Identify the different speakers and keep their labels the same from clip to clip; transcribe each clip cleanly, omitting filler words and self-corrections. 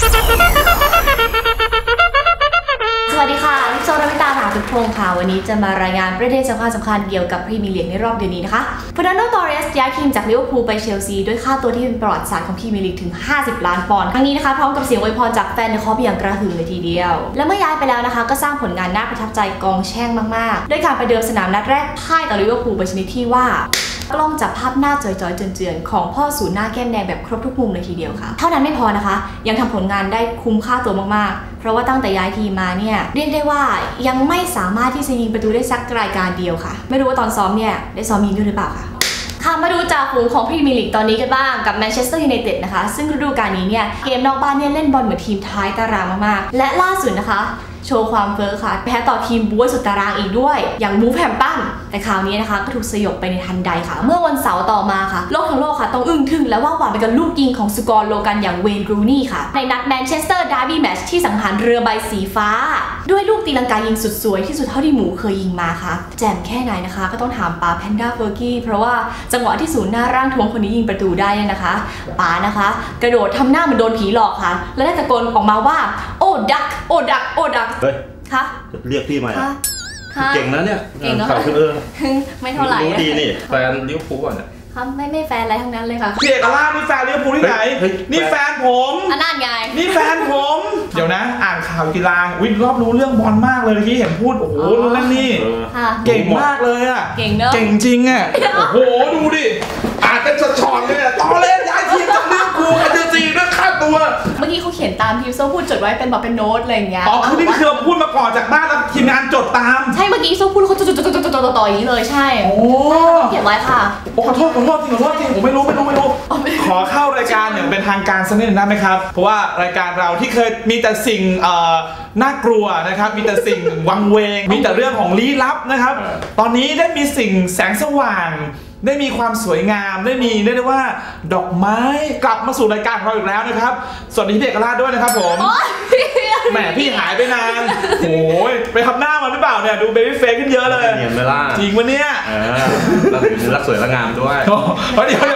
Speaker 1: สวัสดีค่ะลิโซราวิตาหาทุกพงค่ะวันนี้จะมารายงานประเด็นสำคัญเกี่ยวกับพรีเมียร์ลีกในรอบเดือนนี้นะคะเฟอร์นันโด ตอร์เรสย้ายทีมจากลิเวอร์พูลไปเชลซีด้วยค่าตัวที่เป็นประวัติศาสตร์ของพรีเมียร์ลีกถึง50 ล้านปอนด์ทั้งนี้นะคะพร้อมกับเสียงอวยพรจากแฟนในคอปอย่างกระหึ่มเลยทีเดียวและเมื่อย้ายไปแล้วนะคะก็สร้างผลงานน่าประทับใจกองแช่งมากๆด้วยการไปเดิมสนามนัดแรกพ่ายต่อลิเวอร์พูลไปชนิดที่ว่ากล้องจับภาพหน้าจอยๆเจือนๆของพ่อศูนย์หน้าแก้มแดงแบบครบทุกมุมเลยทีเดียวค่ะเท่านั้นไม่พอนะคะยังทำผลงานได้คุ้มค่าตัวมากๆเพราะว่าตั้งแต่ย้ายทีมมาเนี่ยเรียกได้ว่ายังไม่สามารถที่จะยิงประตูได้สักรายการเดียวค่ะไม่รู้ว่าตอนซ้อมเนี่ยได้ซ้อมยิงด้วยหรือเปล่าค่ะมาดูจ่าฝูงของพรีเมียร์ลีกตอนนี้กันบ้างกับแมนเชสเตอร์ยูไนเต็ดนะคะซึ่งฤดูกาลนี้เนี่ยเกมนอกบ้านเนี่ยเล่นบอลเหมือนทีมท้ายตารางมากๆและล่าสุดนะคะโชว์ความเฟ้อค่ะแพ้ต่อทีมบู๊สุดตารางอีกด้วยอย่างบู๊แฮมตันแต่คราวนี้นะคะก็ถูกสยบไปในทันใดค่ะเมื่อวันเสาร์ต่อมาค่ะโลกทั้งโลกค่ะต้องอึ้งทึ่งและว่าหวานไปกับลูกยิงของสกอร์โลกันอย่างเวย์น รูนี่ค่ะในนัดแมนเชสเตอร์ดาร์บี้แมตช์ที่สังหารเรือใบสีฟ้าด้วยลูกตีลังกายิงสุดสวยที่สุดเท่าที่หมูเคยยิงมาค่ะแจ่มแค่ไหนนะคะก็ต้องถามป๋าแพนด้าเฟอร์กี้เพราะว่าจังหวะที่ศูนย์หน้าร่างทวมคนนี้ยิงประตูได้เนี่ยนะคะป๋านะคะกระโดดทำหน้าเหมือนโดนผีหลอกค่ะและได้ตะโกนออกมาว่าโอ้ดักโอ้ดักโอ้ดักคะ
Speaker 2: เรียกพี่ใหม่เก่งนะเนี่ย
Speaker 1: เก่งเนาะไม่เท่าไหร่
Speaker 2: รู้ดีนี่แฟนลิเวอร์พูลก่อนเนี่ย
Speaker 1: ครับไม่แฟนอะไรทั้งนั้นเลยค่ะ
Speaker 3: พี่เอกราชนี่แฟนลิเวอร์พูลที่ไหนนี่แฟนผม
Speaker 1: นั่นไง
Speaker 3: นี่แฟนผมเดี๋ยวนะอ่านข่าวกีฬารอบรู้เรื่องบอลมากเลยเมื่อกี้เห็นพูดโอ้โหเรื่องนี้เก่งมากเลยอ่ะ
Speaker 1: เก่งเนอะ
Speaker 3: เก่งจริงอ่ะโอ้โหดูดิอ่านเป็นช็อตๆเลยตอนเล่นย้ายทีมจากลิเวอร์พูลเจอซีด้วยค่าตัว
Speaker 1: เมื่อกี้เขาเขียนตามทีมโซ่พูดจดไว้เป็นแบบเป็นโน้ตอะไรอย่างเงี้ย
Speaker 3: อ๋อคือนี่คือเราพูดมาก่อนจากบ้านแล้วทีมงานจดตาม
Speaker 1: ใช่เมื่อกี้โซ่พูดเขาจดต่ออย่างนี้เลยใช่
Speaker 3: โอ้
Speaker 1: เขียนไว้ค่ะ
Speaker 3: โอ้ขอโทษจริงผมไม่รู้ขอเข้ารายการอย่างเป็นทางการสักนิดนึงได้ไหมครับเพราะว่ารายการเราที่เคยมีแต่สิ่งน่ากลัวนะครับมีแต่สิ่งวังเวงมีแต่เรื่องของลี้ลับนะครับตอนนี้ได้มีสิ่งแสงสว่างได้มีความสวยงามได้ได้ว่าดอกไม้กลับมาสู่รายการของเราอีกแล้วนะครับสวัสดีพี่เอกราชด้วยนะครับผมแหมพี่หายไปนานโอ้ยไปทำหน้ามาหรือเปล่าเนี่ยดูเบบี้เฟซขึ้นเยอะเลย
Speaker 2: เนียนไปล่ะ
Speaker 3: จริงวะเนี่ย
Speaker 2: เราถึงรักสวยรักงามด้วย
Speaker 3: เดี๋ยว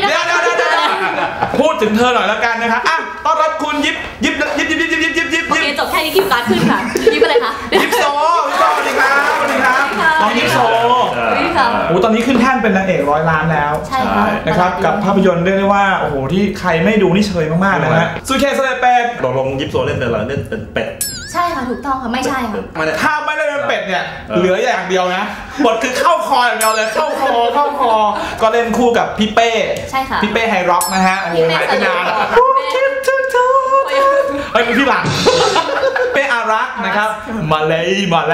Speaker 3: พูดถึงเธอหน่อยแล้วกันนะครับอ่ะต้อนรับคุณยิบ
Speaker 1: โอเคจบแค่นี้คิวการ์ดขึ้นค่ะยิบอะไรคะ
Speaker 3: ยิบโซสวัสดีครับน้องยิบโซโอ้ตอนนี้ขึ้นแท่นเป็นนางเอก100 ล้านแล้ว
Speaker 1: ใช่ค่ะ
Speaker 3: นะครับกับภาพยนตร์เรียกได้ว่าโอ้โหที่ใครไม่ดูนี่เชยมากๆนะฮะซูเคสเลเป็ด
Speaker 2: ตกลงยิบโซเล่นเป็นอะไรเล่นเป็นเป็ด
Speaker 1: ใช่ค่ะถูกต้องค่ะไม่ใช่ค่ะ
Speaker 3: ถ้าไม่ได้เป็นเป็ดเนี่ยเหลืออย่างเดียวนะบทคือเข้าคออย่างเดียวเลยเข้าคอก็เล่นคู่กับพี่เป้
Speaker 1: ใช่ค่ะ
Speaker 3: พี่เป้ไฮร็อกนะฮะโอ้โหหายไปนานคิดถึงเธอเฮ้ยพี่หลังเป้อารักนะครับมาเลย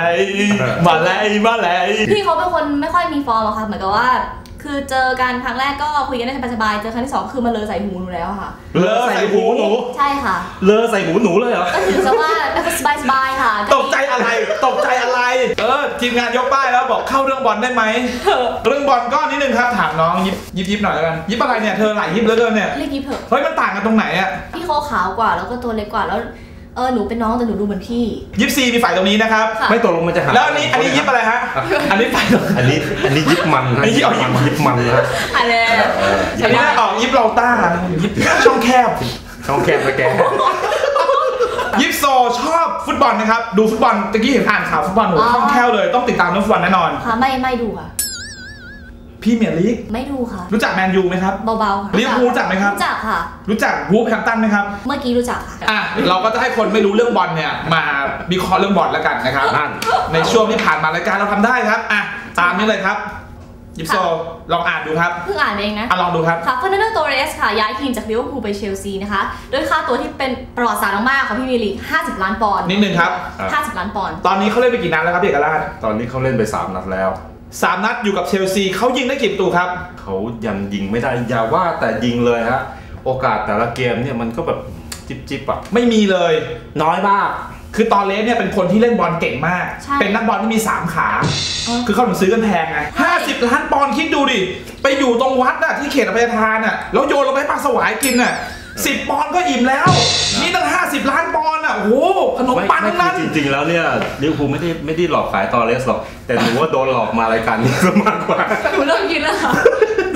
Speaker 1: พี่เขาเป็นคนไม่ค่อยมีฟอร์มอะค่ะเหมือนกับว่าคือเจอกันครั้งแรกก็คุยกันได้สบายๆเจอครั้งที่2คือมาเลอใส่หูหนูแล้วค่ะ
Speaker 2: เลอใส่หูหนู
Speaker 1: ใช่ค่ะ
Speaker 2: เลอใส่หูหนูเลยเหรอ
Speaker 1: ก็ถือซะว่าสบายค่ะ
Speaker 3: ตกใจอะไรทีมงานยกป้ายแล้วบอกเข้าเรื่องบอลได้ไหมเรื่องบอลก็นิดนึงครับถามน้องยิบหน่อยแล้วกันยิบอะไรเนี่ยเธอหลายยิบเหลือเกินเนี่ย
Speaker 1: เรียกยิบเถอะ
Speaker 3: เฮ้ยมันต่างกันตรงไหนอ่ะ
Speaker 1: พี่เขาขาวกว่าแล้วก็ตัวเล็กกว่าแล้วหนูเป็นน้องแต่หนูดูเหมือนพี่
Speaker 3: ยิปซีมีฝ่ายตรงนี้นะครับ
Speaker 2: ไม่ตกลงมันจะหา
Speaker 3: แล้วอันนี้ยิปอะไรฮะอันนี้ฝ่าย
Speaker 2: อันนี้ยิปมันนะยิปมันนะ
Speaker 1: อะไร
Speaker 3: อันนี้ออกยิปเราต้ายิปช่องแคบ
Speaker 2: นะแก
Speaker 3: ยิปโซชอบฟุตบอลนะครับดูฟุตบอลตะกี้เห็นอ่านข่าวฟุตบอลโหคล่องแคล่วเลยต้องติดตามเรื่องฟุตบอลแน่นอน
Speaker 1: ค่ะไม่ดูค่ะ
Speaker 3: พี่เมียร์ลีก
Speaker 1: ไม่ดูค่ะ
Speaker 3: รู้จักแมนยูไหมครับ
Speaker 1: เบาๆค่ะ
Speaker 3: ลิเวอร์พูลรู้จักไหมครับ
Speaker 1: รู้จักค่ะ
Speaker 3: รู้จักวูฟแฮมป์ตันไหมครับ
Speaker 1: เมื่อกี้รู้จักค่ะ
Speaker 3: เราก็จะให้คนไม่รู้เรื่องบอลเนี่ยมาวิเคราะห์เรื่องบอลแล้วกันนะครับในช่วงที่ผ่านมารายการเราทำได้ครับตามนี้เลยครับยิปโซลองอ่านดูครับ
Speaker 1: เพิ่งอ่านเองนะ
Speaker 3: ลองดูครับ
Speaker 1: ค่ะเฟอร์นันโด ตอร์เรสค่ะย้ายทีมจากลิเวอร์พูลไปเชลซีนะคะโดยค่าตัวที่เป็นประวัติศาสตร์มากๆของพรีเมียร์ลีก50 ล้านปอนด์
Speaker 3: นิดนึงครับ
Speaker 1: 50 ล้านปอนด์
Speaker 3: ตอนนี้เขาเล่นไปกี่นัดแล้วครับพี่เอกราช
Speaker 2: ตอนนี้เขาเล่นไป3 นัดแล้ว
Speaker 3: 3 นัดอยู่กับเชลซีเขายิงได้กี่ประตูครับ
Speaker 2: เขายังยิงไม่ได้อย่าว่าแต่ยิงเลยฮะโอกาสแต่ละเกมเนี่ยมันก็แบบจิ๊บอ่ะ
Speaker 3: ไม่มีเลย
Speaker 2: น้อยมาก
Speaker 3: คือตอเลสเนี่ยเป็นคนที่เล่นบอลเก่งมากเป็นนักบอลที่มี3 ขาคือเขาถึงซื้อกันแพงไง50 ล้านปอนด์คิดดูดิไปอยู่ตรงวัดที่เขตอภัยทานแล้วโยนลงไปให้ปลาสวายกิน10 ปอนด์ก็อิ่มแล้วนี่ตั้ง50 ล้านปอนด์โอ้โหขนมปังนั้น
Speaker 2: จริงๆแล้วเนี่ยลิเวอร์พูลไม่ได้หลอกขายตอเลสหรอกแต่หนูว่าโดนหลอกมารายการนี้มากกว่า
Speaker 1: หนูเริ่มกินแล้ว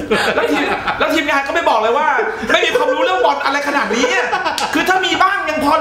Speaker 3: แล้วทีมงานก็ไม่บอกเลยว่าไม่มีความรู้เรื่องบอลอะไรขนาดนี้คือถ้ามีบ้างยังพอ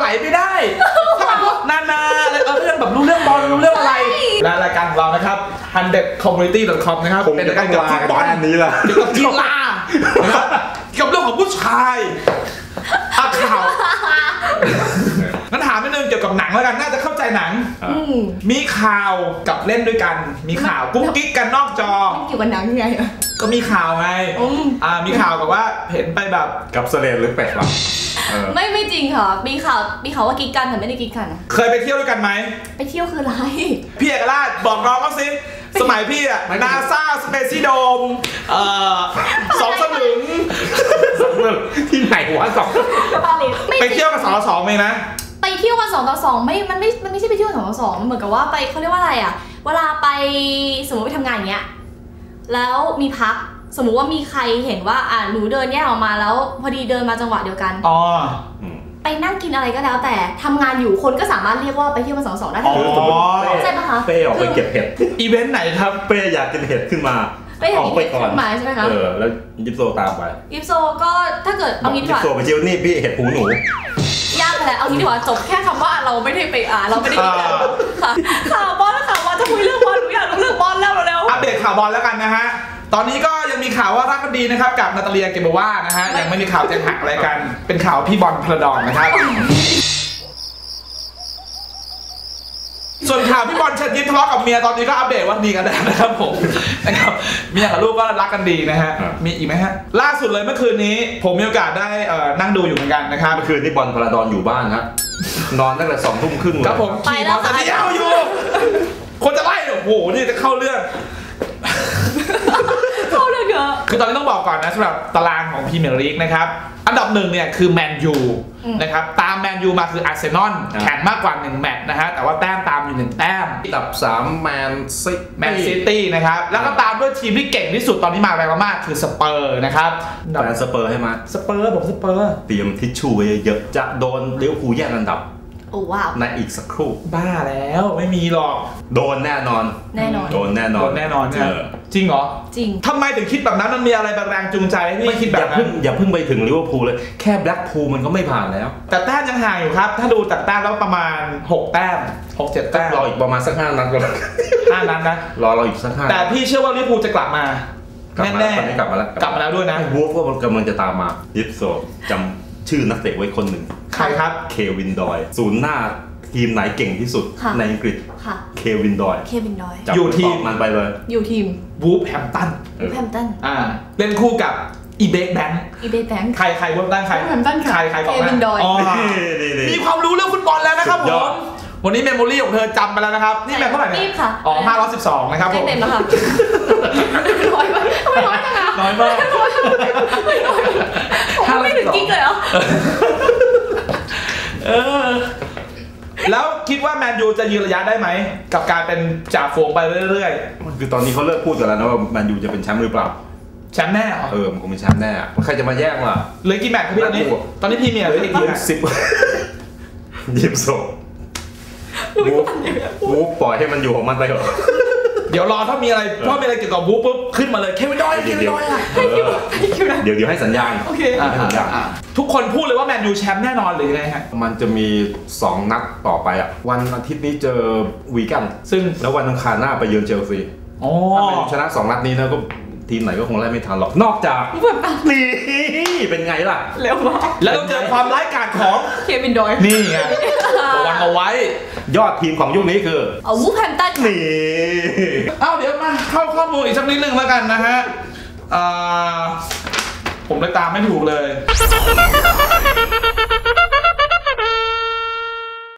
Speaker 3: 100community.com นะครับ
Speaker 2: คง
Speaker 3: เป็น
Speaker 2: จะ
Speaker 3: ราย
Speaker 2: ต้
Speaker 3: กา
Speaker 2: อ
Speaker 3: รง เกี่ยวกับฟุตบอล
Speaker 2: ลากันนี้ล่ะ
Speaker 3: เกี่ยวกับกีฬานะครับเกี่ยวกับเรื่องของผู้ชายข่าวงั้นถามนิดนึงเกี่ยวกับหนังแล้วกันน่าจะเข้าใจหนังมีข่าวกับเล่นด้วยกันมีข่าวกุ๊กกิ๊กกันนอกจอ
Speaker 1: เกี่ยวกับหนังไง
Speaker 3: ก็มีข่าวไงมีข่าวกับว่าเห็นไปแบบ
Speaker 2: กับเสลดหรือเป็ดหรอ
Speaker 1: ไม่จริงค่ะมีข่าวว่ากิ๊กกันแต่ไม่ได้กิ๊กกันนะ
Speaker 3: เคยไปเที่ยวด้วยกันไหม
Speaker 1: ไปเที่ยวคืออะไร
Speaker 3: พี่เอกราชบอกน้องเขาสิสมัยพี่อะนาซาสเปซี่โดม2 สลึง
Speaker 2: ที่ไหนวะ
Speaker 3: ไปเที่ยวกับ2 ต่อ 2เองนะ
Speaker 1: ไปเที่ยวกัน2 ต่อ 2มันไม่ใช่ไปเที่ยว2 ต่อ 2มันเหมือนกับว่าไปเขาเรียกว่าอะไรอ่ะเวลาไปสมมติไปทำงานอย่างเงี้ยแล้วมีพักสมมุติว่ามีใครเห็นว่าหนูเดินแยกออกมาแล้วพอดีเดินมาจังหวะเดียวกันไปนั่งกินอะไรก็แล้วแต่ทำงานอยู่คนก็สามารถเรียกว่าไปเที่ยวกัน2 ต่อ 2ได้ใช่ปะคะ
Speaker 2: เป้ออกไปเก็บเห็ด
Speaker 3: อีเวนต์ไหนครับ
Speaker 2: เป้อยากกินเห็ดขึ้นมา
Speaker 1: ออกไปก่อนใช่ไหมคะ
Speaker 2: แล้วยิปโซตามไป
Speaker 1: ยิปโซก็ถ้าเกิดเอางี้ดีกว่า
Speaker 2: ยิปโซไปเจียวนี่พี่เห็ดหูหนู
Speaker 1: ยากเลยเอางี้ดีกว่าจบแค่คำว่าเราไม่ได้ไปเราไม่ได้กินค่ะข่าวบอลข่าวบอลจะคุยเรื่องบอลหนูอยากรู้เรื่องบอลแล้วเร็ว
Speaker 3: อัปเดตข่าวบอลแล้วกันนะฮะตอนนี้ก็ยังมีข่าวว่ารักกันดีนะครับกับนาตาเลียเกเบว่านะฮะยังไม่มีข่าวแจ้งหักอะไรกันเป็นข่าวพี่บอลพลดอนนะครับส่วนข่าวพี่บอลเชิญยิ้มทะเลาะกับเมียตอนนี้ก็อัปเดตว่าดีกันแล้วนะครับผมนะครับเมียกับลูกก็รักกันดีนะฮะมีอีกไหมฮะล่าสุดเลยเมื่อคืนนี้ผมมีโอกาสได้นั่งดูอยู่เหมือนกันนะครับ
Speaker 2: เมื่อคืนที่บอลพลดอนอยู่บ้านครับนอนตั้งแต่2 ทุ่มครึ่งเลย
Speaker 3: ครับผมขี่มอเตอร์ไซค์อยู่คนจะไล่โอ้โหนี่จะเข้าเรื่องคือตอนนี้ต้องบอกก่อนนะสำหรับตารางของพรีเมียร์ลีกนะครับอันดับ1เนี่ยคือแมนยูนะครับตามแมนยูมาคืออาร์เซนอลแข่งมากกว่า1แมตช์นะฮะแต่ว่าแต้มตามอยู่1แต้ม
Speaker 2: อันดับ3แมน
Speaker 3: ซิตี้นะครับแล้วก็ตามด้วยทีมที่เก่งที่สุดตอนนี้มาแรงมากคือสเปอร์นะครับ
Speaker 2: แฟนสเปอร์ให้มา
Speaker 3: สเปอร์ผมสเปอร์
Speaker 2: เตรียมทิชชู่เยอะจะโดนลิเวอร์พูลแย่งอันดับ
Speaker 1: โอ้ว้าว
Speaker 2: ในอีกสักครู่
Speaker 3: บ้าแล้วไม่มีหรอก
Speaker 2: โดนแน่นอนโดนแน่นอน
Speaker 3: จริงเหรอ
Speaker 1: จริง
Speaker 3: ทำไมถึงคิดแบบนั้นมันมีอะไรแรงจูงใจให้พี่คิดแบบนั้น
Speaker 2: อย่าเพิ่งไปถึงลิเวอร์พูลเลยแค่แบล็กพูลมันก็ไม่ผ่านแล้ว
Speaker 3: แต่แต้มยังห่างอยู่ครับถ้าดูจากแต้มแล้วประมาณ6 แต้ม 6-7 แต้ม
Speaker 2: รออีกประมาณสัก5 นัดก็
Speaker 3: 5 นัดนะ
Speaker 2: รออีกสัก5
Speaker 3: แต่พี่เชื่อว่าลิเวอร์พูลจะกลับมาแน่
Speaker 2: ๆกลับมาแล้ว
Speaker 3: ด้วยนะ
Speaker 2: วูฟก็กำลังจะตามมายิปโซจำชื่อนักเตะไว้คนหนึ่ง
Speaker 3: ใครครับ
Speaker 2: เควินดอยศูนย์หน้าทีมไหนเก่งที่สุดในอังกฤษเควินดอย
Speaker 3: อยู่ทีม
Speaker 2: มันไปเลย
Speaker 1: อยู่ทีม
Speaker 3: วูฟแฮมตันเล่นคู่กับอีเบคแบงค์ใครวูฟแฮมตันใคร
Speaker 1: เควินดอย
Speaker 3: มีความรู้เรื่องฟุตบอลแล้วนะครับผมวันนี้เมมโมรี่ของเธอจำไปแล้วนะครับนี่แม่เท่าไหร่เนี่ย512นะครับผม
Speaker 1: เต็มแล้วค่ะน้อยมากจังนะ
Speaker 3: น้อยมาก
Speaker 1: ไม่ถึงกิ๊กเลยเหรอ
Speaker 3: แล้วคิดว่าแมนยูจะยืนระยะได้ไหมกับการเป็นจ่าฝูงไปเรื่อย
Speaker 2: ๆคือตอนนี้เขาเลิกพูดกันแล้วนะว่าแมนยูจะเป็นแชมป์หรือเปล่า
Speaker 3: แชมป์แน่
Speaker 2: มันคงเป็นแชมป์แน่ใครจะมาแย่งล่ะ
Speaker 3: เหลือกี่แมตช์ครับพี่ตอนนี้พรีเมียร์เหลืออีกกี่แมตช์
Speaker 2: 10ยิบโซ่วูฟปล่อยให้มันอยู่ของมันไปเถอะ
Speaker 3: เดี๋ยวรอถ้ามีอะไรเกี่ยวกับวูฟปุ๊บขึ้นมาเลยเควินดอยเ
Speaker 2: ดี๋ยวให้สัญญาณ
Speaker 3: โอเคทุกคนพูดเลยว่าแมนยูแชมป์แน่นอนหรือยังไงฮะ
Speaker 2: มันจะมี2 นัดต่อไปอ่ะวันอาทิตย์นี้เจอวีแกน
Speaker 3: ซึ่ง
Speaker 2: แล้ววันอังคารหน้าไปเยือนเชลซีถ้าเป็นชนะ2 นัดนี้นะก็ทีมไหนก็คงไล่ไม่ทันหรอกนอกจากนี่เป็นไงล่ะ
Speaker 3: เร็วมากแล้วต้องเจอความร้ายกาจของ
Speaker 1: เควินดอย
Speaker 3: นี่ไงระวังเอาไว้
Speaker 2: ยอดทีมของยุคนี้คือ
Speaker 1: วูฟแฮมตัน
Speaker 2: นี่
Speaker 3: เดี๋ยวมาเข้าข้อมูลอีกสักนิดนึงแล้วกันนะฮะผมเลยตามไม่ถูกเลย